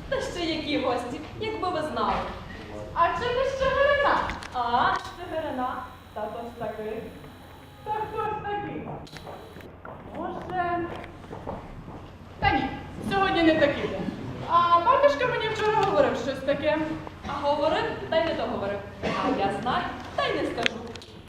Та ще які гості, якби ви знали. А чи ти ще Чигирина? А, Чигирина, та то ж таки. Та хто ж такий? Може... Та ні, сьогодні не такий день. А батюшка мені вчора говорив щось таке. А говорив, та й не договорив. А я знаю, та й не скажу.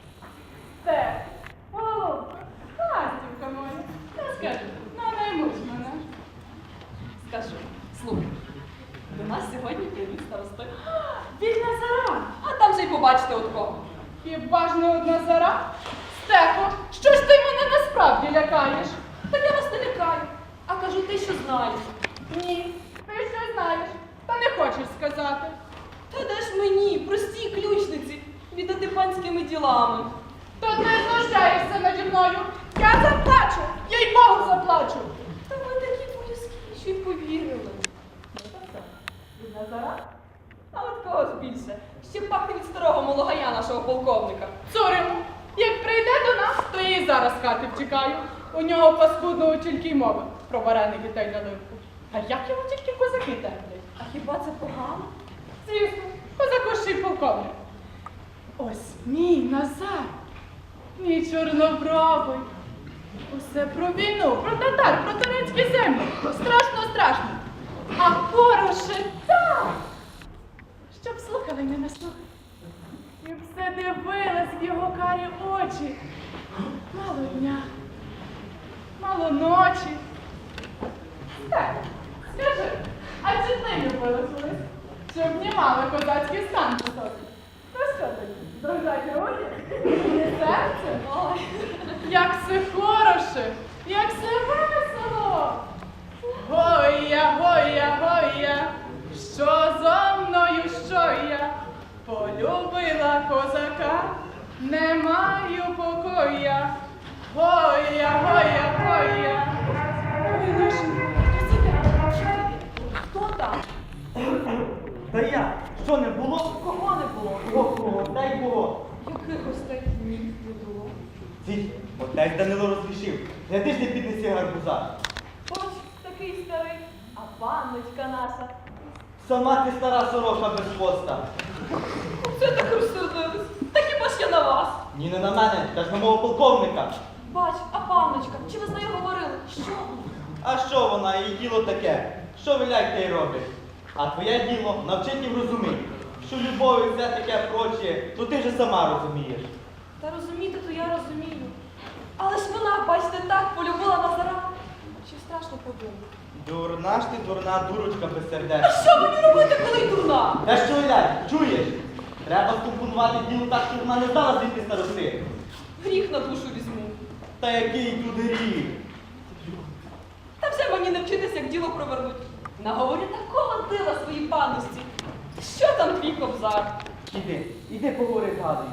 Це, голубка, Настівка моя. Я скажу, наймусь мене. Скажу, слухай, до нас сьогодні прийдуть старости. Від Назара. А там же й побачите от кого. Хіба ж не одна зара? Стефо, що ж ти мене насправді лякаєш? Так я вас не лякаю, а кажу ти, що знаєш. Ні, ти що знаєш, та не хочеш сказати. Та де ж мені, простій ключниці, віддати панськими ділами. То ти знущаєшся наді мною. Я заплачу, їй Богу заплачу. Та ви такі боязкі, що й повірили. Ну так так, від Назара? А от кого ж більше? Ще пахне від старого мологая нашого полковника. Цуримо, як прийде до нас, то я і зараз з хати втікаю. У нього паскудного тільки й мови про вареники та й наливку. А як його тільки козаки терплять? А хіба це погано? Звісно, козаку ще й полковник. Ось мій Назар, мій чорнобровий. Усе про війну, про татар, про турецькі землі. Страшно, страшно. А хороше так, щоб слухали й не наслухали. І все дивилась в його карі очі. Мало дня, мало ночі. Так, скажи, а чи ти любила колись, що обнімала козацький стан по собі? То що тоді? Дрожать руки? І серце? Ой, Як все хороше, як все весело. Гоя, гоя, гоя, що зо мною, що я полюбила козака, не маю покоя. Гоя, гоя, гоя. Ой, лишенько, хтось іде. хто там? Та я, що не було? Кого не було? Ого, дай Бог. Яких гостей? Ні, не було. Цій, отець Данило розрішив. Гляди ж не піднеси гарбуза. Ось такий старий, а панночка наша. Сама ти стара сорока без хвоста. Це так розсердились. Та хіба ж я на вас? Ні, не на мене, та ж на мого полковника. Бач, а панночка, чи ви з нею говорили? Що? А що вона, її діло таке? Що виляй те й робить? А твоє діло навчить їм розуміти, що любов і все таке проче, то ти вже сама розумієш. Та розуміти, то я розумію. Але ж вона, бачите, так полюбила Назара. Чи страшно подумати? Дурна ж ти, дурна дурочка А безсердечна. що мені робити, коли й дурна? Та що виляй, чуєш? Треба скомпонувати діло так, щоб вона не знала звідти старости. Гріх на душу візьму. Та який тут гріх? Та вже мені не вчитися, як діло провернуть. Наговорю такого дива своїй панності. Що там твій кобзар? Іди поговори з Гадою.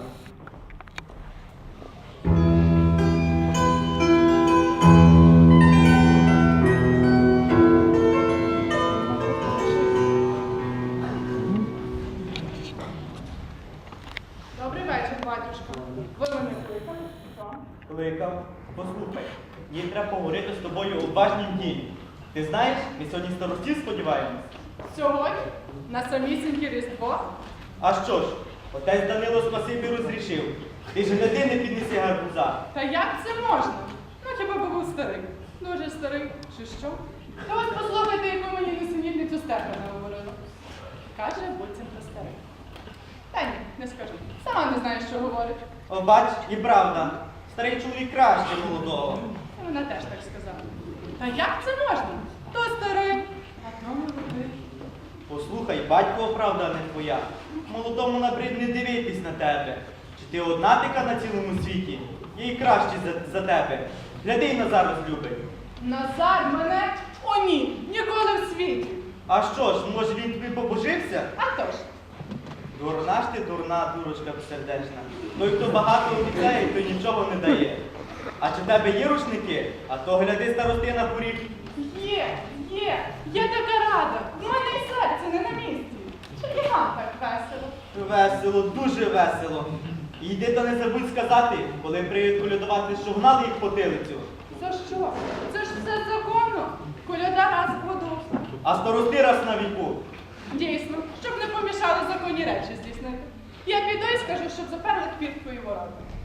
Добрий вечір, батюшка. Ви мене кликали? Що? Кликав. Послухай, їй треба поговорити з тобою у важнім дні. Ти знаєш, ми сьогодні старостів сподіваємось. Сьогодні? На самісіньке Різдво? А що ж, отець Данило спасибі розрішив. Ти ж гляди, не піднеси гарбуза. Та як це можна? Ну хіба би був старий? Дуже старий, чи що? Та ось послухайте, яку мені несенітницю Стефана говорила. Каже, будь про старий. Та ні, не скажу. Сама не знаю, що говорить. О, бач, і правда. Старий чоловік краще молодого. І вона теж так сказала. Та як це можна? То старий, а то молодий. Послухай, батькова правда, а не твоя. Молодому набридне дивитись на тебе. Чи ти одна така на цілому світі? Їй краще за тебе. Гляди, й Назар розлюбить. Назар мене? О ні, ніколи в світі. А що ж, може він тобі побожився? А то ж. Дурна ж ти, дурна дурочка безсердечна. Той, хто багато обіцяє, той нічого не дає. А чи в тебе є рушники? А то гляди старости на поріг. Є, я така рада. В мене і серце не на місці. Чи і вам так весело? Весело, дуже весело. І йди та не забудь сказати, коли прийдуть колядувати, що гнали їх по тилицю. За що? Це ж все законно. Коляда раз в году. а старости раз на віку. Дійсно, щоб не помішали законні речі здійснити. Я піду і скажу, щоб заперли квіткою ворота.